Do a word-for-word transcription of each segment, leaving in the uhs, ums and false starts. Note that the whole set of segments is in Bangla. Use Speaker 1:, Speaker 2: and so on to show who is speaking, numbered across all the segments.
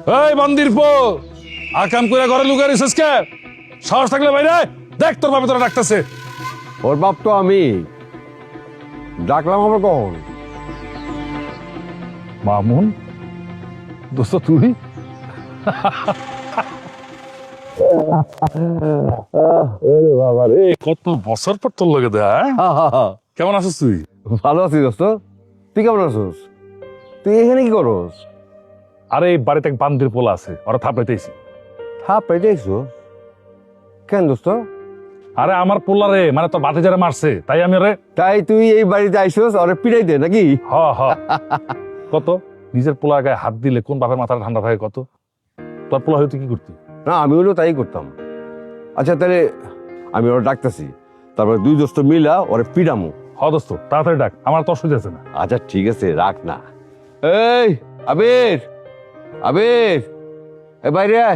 Speaker 1: এই মন্দির পো আকাম করে ঘরে লুকিয়ে রিসেস কে সাহস থাকলে বাইরে দেখ তোর বাবা তোরা ডাকতেছে।
Speaker 2: ওর বাপ তো আমি ডাকলাম আবার কখন?
Speaker 1: মামুন দোস্ত তুই বাবা রে কত বছর পর তোর লগে দেয়া কেমন আছিস তুই?
Speaker 2: ভালো আছি দোস্ত, তুই কেমন আছিস? তুই এখানে কি করস?
Speaker 1: আরে এই বাড়িতে এক বান্দির পোলা আছে ওরা থাপড়াইতেছি।
Speaker 2: হ্যাঁ পেয়েছো কেন দোস্ত?
Speaker 1: আরে আমার পোলা রে মানে তোর বাতি যারা মারছে তাই আমি রে
Speaker 2: তাই তুই এই বাড়িতে আইসস ওরে পিড়াই দে নাকি?
Speaker 1: হ হ কত নিজের পোলার গায়ে হাত দিলে কোন বাপের মাথাটা ঠান্ডা থাকে কত? তোর পোলা হয়তো কি করতি?
Speaker 2: না আমি হলেও তাই করতাম। আচ্ছা তাহলে আমি ওরা ডাকতেছি, তারপরে দুই দোস্ত মিলা ওরে পিড়ামু।
Speaker 1: হ দোস্ত তাড়াতাড়ি ডাক আমার তো অসুবিধা আছে না।
Speaker 2: আচ্ছা ঠিক আছে রাখ না। এই আবির, আবির এ বাইরে আয়।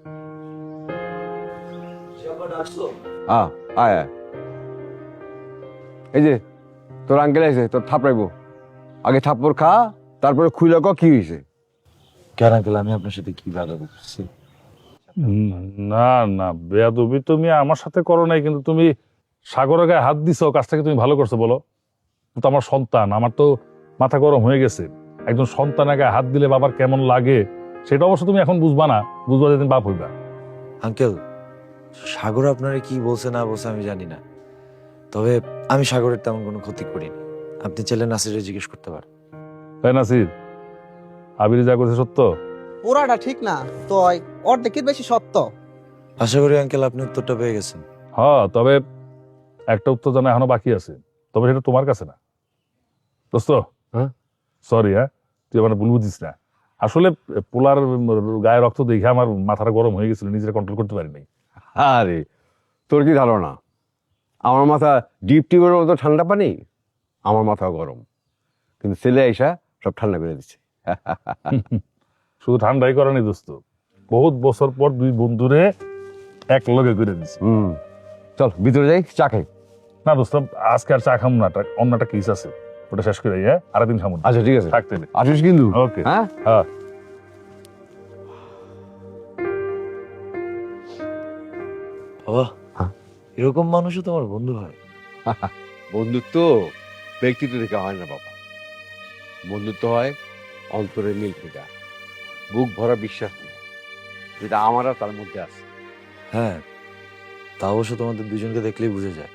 Speaker 2: আ, আয় আয়। এই যে তোর আঙ্কেল আছে তোর থাপড়াইবো, আগে থাপ্পড় খা তারপরে খুইলা ক কি হয়েছে।
Speaker 3: কেন আঙ্কেল আমি আপনার সাথে কি বাধা করছি?
Speaker 1: না না বেয়াদবি তুমি আমার সাথে করো নাই, কিন্তু তুমি সাগরের গায়ে হাত দিছো কাজটাকে তুমি ভালো করছো বলো তো। আমার সন্তান আমার তো মাথা গরম হয়ে গেছে। একজন সন্তানের গায়ে হাত দিলে বাবার কেমন লাগে সেটা অবশ্য তুমি এখন বুঝবা না, বুঝবা যেদিন বাপ হইবা।
Speaker 3: আঙ্কেল সাগর আপনারা কি বলছে না বলছে আমি জানি না, তবে আমি সাগরের তেমন কোনো ক্ষতি করিনি। আপনি চাইলে নাসিরে জিজ্ঞেস করতে পারেন।
Speaker 1: তাই নাসির আবির যা করছে সত্য?
Speaker 4: পুরাটা ঠিক না তো অর্ধেকের বেশি সত্য।
Speaker 3: আশা করি আঙ্কেল আপনি উত্তরটা পেয়ে গেছেন।
Speaker 1: হ্যাঁ তবে একটা উত্তর জানা এখনো বাকি আছে, তবে সেটা তোমার কাছে না দোস্ত।
Speaker 2: হ্যাঁ
Speaker 1: সরি হ্যাঁ তুই আমার ভুল বুঝিস না। আসলে পোলার গায়ে রক্ত দেখে আমার মাথাটা গরম হয়ে গেছিল, নিজেরা কন্ট্রোল করতে পারিনি।
Speaker 2: আরে তোর কি ধারণা আমার মাথা ডিপ টিউবের মতো ঠান্ডা পানি? আমার মাথা গরম, কিন্তু ছেলে আইসা সব ঠান্ডা করে দিচ্ছে।
Speaker 1: শুধু ঠান্ডাই করেনি দোস্ত, বহুত বছর পর দুই বন্ধুরে এক লগে করে দিছে।
Speaker 2: হুম চল ভিতরে যাই চা খাই।
Speaker 1: না দোস্ত আজকে আর চা খাম না, একটা- অন্য একটা কেস আছে ওটা শেষ করে হ্যাঁ আরেকদিন খামো।
Speaker 2: আচ্ছা ঠিক আছে
Speaker 1: থাকতে দে।
Speaker 2: আসিস কিন্তু।
Speaker 1: ওকে
Speaker 2: হ্যাঁ
Speaker 1: হ্যাঁ
Speaker 3: বাবা
Speaker 2: হ্যাঁ?
Speaker 3: এরকম মানুষও তোমার বন্ধু হয়?
Speaker 2: বন্ধুত্ব ব্যক্তিত্ব থেকে হয় না বাবা, বন্ধুত্ব হয় অন্তরের মিল থেকে, বুক ভরা বিশ্বাস থেকে, যেটা আমার আর তার মধ্যে আছে।
Speaker 3: হ্যাঁ তা অবশ্য তোমাদের দুজনকে দেখলেই বুঝে যায়।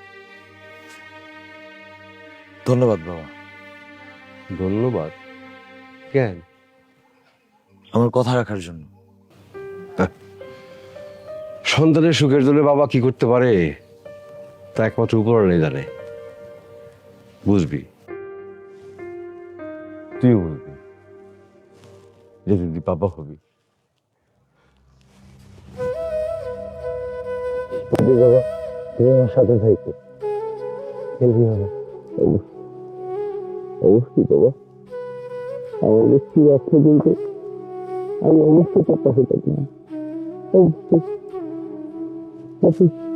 Speaker 3: ধন্যবাদ বাবা।
Speaker 2: ধন্যবাদ কেন?
Speaker 3: আমার কথা রাখার জন্য।
Speaker 2: সন্তানের সুখের জন্য বাবা কি করতে পারে তা একমাত্র উপরওয়ালাই জানে। বুঝবি, তুইও বুঝবি যেদিন তুই বাবা হবি। বাবা তুমি আমার সাথে থাকো, খেলবি বাবা। অবশ্যই বাবা, আমার লক্ষ্মী বাচ্চা কিন্তু আমি অবশ্যই তোর পাশে থাকি। অবশ্যই।